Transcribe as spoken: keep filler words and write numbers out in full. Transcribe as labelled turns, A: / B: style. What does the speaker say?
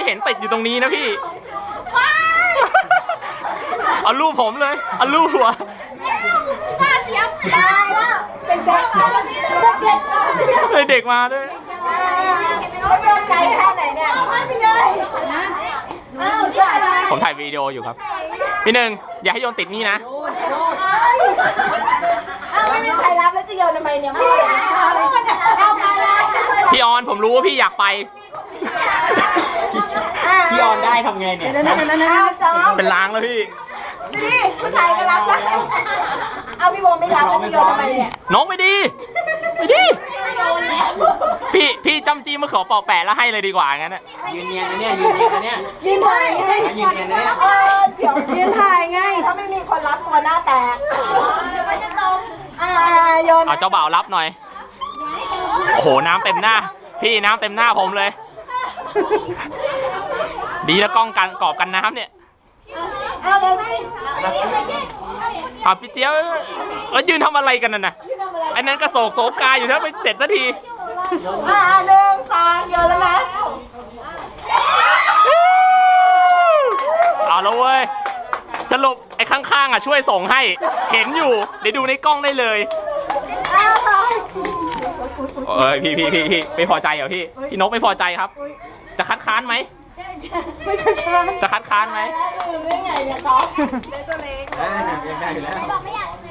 A: เห็นติดอยู่ตรงนี้นะพี่เอารูปผมเลยเอารูปหัว
B: ป้าเจี๊ยบได้แล้วเป็นเด็ก
A: เลยเด็กมาด้วย
B: เขาโดนใจแค่ไหนเนี่ยไปเลย
A: ผมถ่ายวิดีโออยู่ครับพี่หนึ่งอย่าให้โยนติดนี่นะ
B: ไม่มีใครรับแล้วจะโยนทำไมเนี่ยพี่
A: พี่ออนผมรู้ว่าพี่อยากไปพี่ออนได้ทำไงเนี่ยเป็นล้างแล้วพี่
B: นี่ผู้ชายก็รับนะเอาพี่โบไม่รับแล้วจะโยนทำไมเนี่ย
A: น้องไม่ดีไม่ดีพี่พี่จำจี้มาขอปอกแปะแล้วให้เลยดีกว่างั้นน่ะยืนเนียนนะเนี่ยยืนเนียนนะเนี่ย
B: ยืนถ่ายไง
A: ยืนเนียนนะเนี่ย
B: เออเดี๋ยวยืนถ่ายไงถ้าไม่มีคนรับตัวหน้าแตกอ่าโยน
A: เอาเจ้าบ่าวรับหน่อยโอ้โหน้ำเต็มหน้าพี่น้ำเต็มหน้าผมเลยดีแล้วกล้องกันกรอบกันน้ำเนี่ย
B: เอาเลยพี่
A: อ่ะพี่เจี๊ยบแล้วยืนทำอะไรกันน่ะนะไอ้นั้นกระโศกโศกาอยู่ถ้าไม่เสร็จสักที
B: อ่าหนึ่งสองโยนแล้วนะ
A: เอาแล้วเว้ยสรุปไอ้ข้างๆอ่ะช่วยส่งให้เห็นอยู่เดี๋ยวดูในกล้องได้เลยเอ้ยพี่พี่พี่พี่ไม่พอใจเหรอพี่พี่นกไม่พอใจครับจะคัดค้านไหมจะคัดค้านไหม
B: ได้ไงเนี่ยก๊อฟ
A: ได้ตัวเล็กได้อยู่แล้ว